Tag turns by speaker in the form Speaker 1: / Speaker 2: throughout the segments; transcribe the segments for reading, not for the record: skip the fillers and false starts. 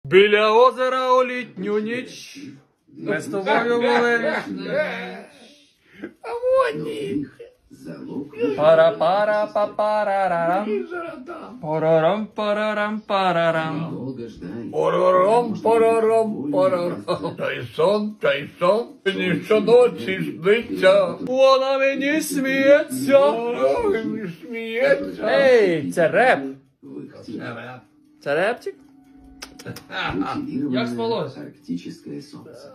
Speaker 1: Біля озера у літню ніч ми з тобою були.
Speaker 2: А вони.
Speaker 1: Пара-пара-па-парарарам. Парарам-парарам-парарам.
Speaker 2: Парарам. Та й сон, мені щоночі сниться.
Speaker 1: Вона мені сміється.
Speaker 2: Ой, сміється.
Speaker 1: Ей, це реп. Це репчик? Як спалось?
Speaker 3: Арктическое солнце.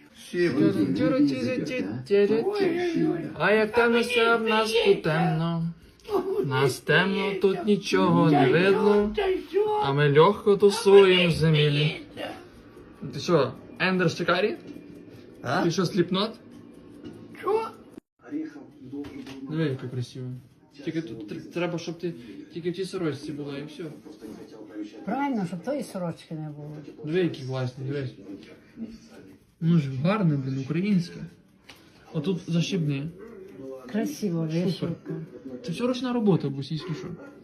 Speaker 1: А як темно все в нас тут темно. Нас темно, тут нічого не видно. А ми легко тусуємо в землі. Ти що, Ендер Шикарі? Ти що, сліпнот?
Speaker 2: Що?
Speaker 1: Диви, яка красива. Тільки тут треба, щоб ти тільки в тій сорочці була і все.
Speaker 4: Правильно, щоб тої сорочки не було.
Speaker 1: Диви, які класні, дивись. Ну ж гарне, блін, українське. Отут защібни.
Speaker 4: Красиво, вишивка.
Speaker 1: Це все ручна робота, бусі, що.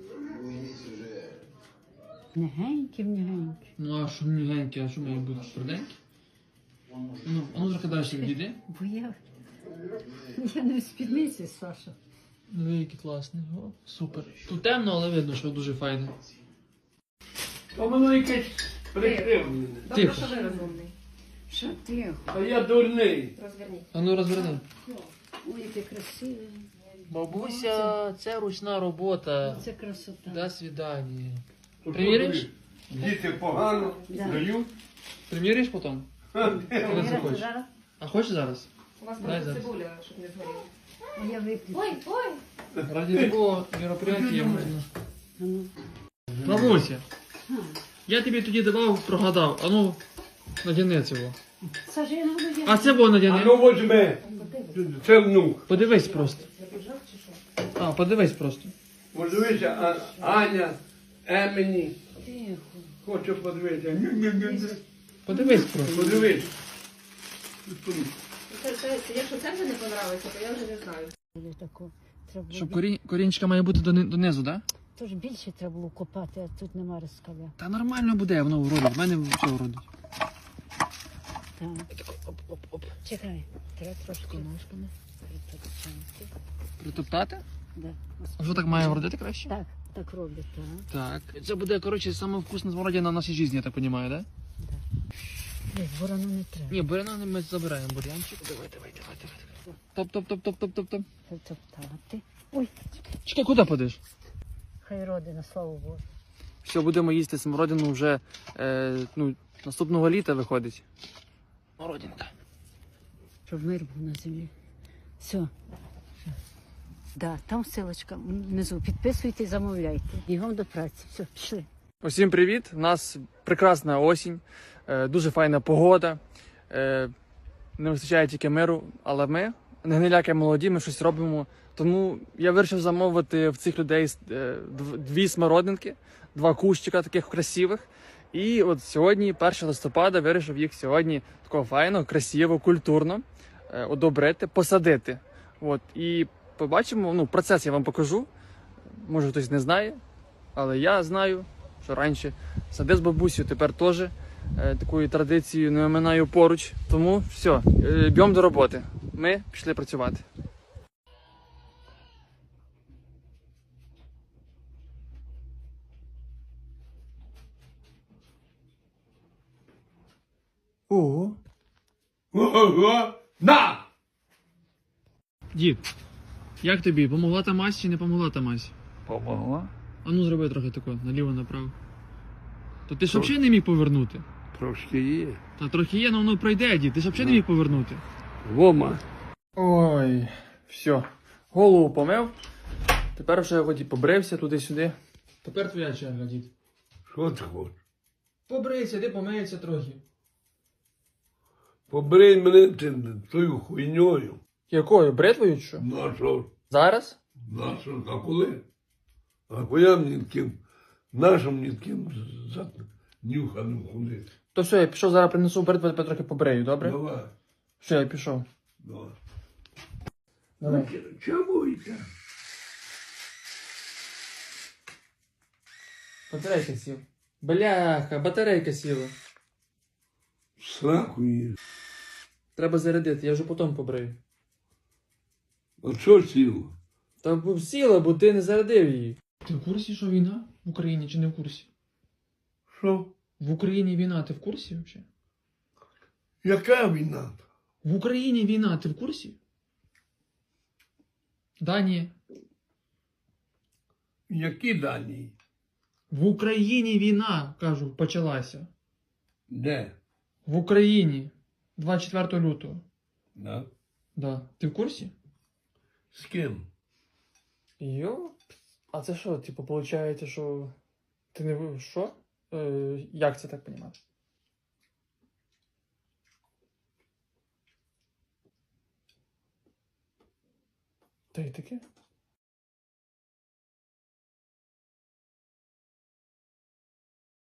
Speaker 4: Негенькі.
Speaker 1: Ну а що мігенькі, а що має бути тверденькі? Ну, а ну трохи далі відійди.
Speaker 4: Бо я не в спідниці, Саша.
Speaker 1: Диви, які класні. О, супер. Тут темно, але видно, що дуже файне.
Speaker 2: То воно якесь прикривлене.
Speaker 1: Тихо.
Speaker 5: Що ви розумний?
Speaker 4: Що ти?
Speaker 2: А я дурний.
Speaker 5: Розверніть.
Speaker 1: А ну розверни.
Speaker 4: Ой, яке красиве.
Speaker 1: Бабуся, це ручна робота.
Speaker 4: Це красота.
Speaker 1: До свидання. Приміриш?
Speaker 2: Діти погано
Speaker 4: Да.
Speaker 2: дають.
Speaker 1: Приміриш потім? Коли захочеш.
Speaker 4: Зараз?
Speaker 1: А хочеш зараз?
Speaker 5: У вас
Speaker 1: Дай
Speaker 5: просто
Speaker 1: зараз.
Speaker 5: цибуля, щоб не згоріла.
Speaker 4: А я виключу.
Speaker 5: Ой!
Speaker 1: Ради такого мероприятия можна.
Speaker 4: А ну.
Speaker 1: Бабуся, я тобі тоді давав, прогадав. А ну, надяни цього.
Speaker 4: Саша, я не буду я.
Speaker 1: А це було
Speaker 2: А
Speaker 1: надяни.
Speaker 2: ну возьми. Це внук.
Speaker 1: Подивись просто. А, подивись просто.
Speaker 2: Подивися, Аня, Емені.
Speaker 4: Тихо.
Speaker 2: Хочу подивитися. Ню-ню-ню-ню.
Speaker 1: Подивись просто.
Speaker 2: Подивись.
Speaker 5: Якщо це вже не понравиться, то я вже не знаю.
Speaker 4: Тако. Треба
Speaker 1: Щоб
Speaker 4: було...
Speaker 1: корінчика має бути донизу, так? Да?
Speaker 4: Тож більше треба було копати, а тут нема розкаля.
Speaker 1: Та нормально буде, воно вродить. В мене все вродить.
Speaker 4: Так.
Speaker 1: Оп-оп-оп.
Speaker 4: Чекай. Треба трошки
Speaker 1: Ножками.
Speaker 4: притопчати.
Speaker 1: Притоптати?
Speaker 4: Да.
Speaker 1: А що так має вродити краще?
Speaker 4: Так, так роблять, так.
Speaker 1: Так. Це буде, коротше, саме вкусна смородина в нашій житті, я так розумію, так?
Speaker 4: Ні, ворону не треба.
Speaker 1: Ні, буряна ми забираємо бурянчик. Давай. Топ.
Speaker 4: Притоптати. Ой,
Speaker 1: Чекай, куди подиш?
Speaker 4: хай родина, слава Богу.
Speaker 1: Все, будемо їсти смородину вже наступного літа виходить. Смородинка.
Speaker 4: Щоб мир був на землі. Все. Да, там ссылочка внизу. Підписуйте, замовляйте. Бігом до праці. Все, пішли.
Speaker 1: Усім привіт! У нас прекрасна осінь, дуже файна погода. Не вистачає тільки миру, але ми, не гниляки молоді, ми щось робимо. Тому я вирішив замовити в цих людей 2 смородинки, 2 кущика таких красивих. І от сьогодні, 1 листопада, вирішив їх сьогодні такого файно, красиво, культурно одобрити, посадити. От. І побачимо, процес я вам покажу. Може хтось не знає, але я знаю, що раніше садив з бабусею, тепер теж такою традицією не оминаю поруч. Тому все, б'ємо до роботи. Ми пішли працювати. Ого.
Speaker 2: Ого! На!
Speaker 1: Дід, як тобі? Помогла та мазь чи не помогла та мазь?
Speaker 2: Помогла?
Speaker 1: А ну зроби трохи тако, наліво-направо. То ти ж взагалі не міг повернути?
Speaker 2: Трошки є.
Speaker 1: Та трохи є, але воно пройде, дід. Ти ж взагалі не міг повернути.
Speaker 2: Вома.
Speaker 1: Ой, все. Голову помив. Тепер вже ході побрився туди-сюди. Тепер твоя черга, дід.
Speaker 2: Що ти хочеш?
Speaker 1: Побрийся, ти помиється трохи.
Speaker 2: Побрий мене тою хуйньою.
Speaker 1: Якою? Бритвою чи що?
Speaker 2: На що?
Speaker 1: Зараз?
Speaker 2: На що? А коли? А коли мені таким, нашим мені таким нюханим ходити?
Speaker 1: То все, я пішов, зараз принесу бритву, тебе трохи побрею, добре?
Speaker 2: Давай.
Speaker 1: Все, я пішов.
Speaker 2: Давай.
Speaker 1: Давай.
Speaker 2: Чому йде?
Speaker 1: Батарейка сіла. Бляха, батарейка сіла.
Speaker 2: Сраку її.
Speaker 1: Треба зарядити, я вже потім побрию.
Speaker 2: А що сіло?
Speaker 1: Та б сіла, бо ти не зарядив її. Ти в курсі, що війна в Україні чи не в курсі?
Speaker 2: Що?
Speaker 1: В Україні війна, ти в курсі взагалі?
Speaker 2: Яка війна?
Speaker 1: В Україні війна, ти в курсі? Да, ні.
Speaker 2: Які дані?
Speaker 1: В Україні війна, кажу, почалася.
Speaker 2: Де?
Speaker 1: В Україні. 24 лютого.
Speaker 2: Да?
Speaker 1: Да. Ти в курсі?
Speaker 2: З ким?
Speaker 1: Йо? А це що, типу, виходить, що ти не ви- що? Як це так понімати? Та й таке?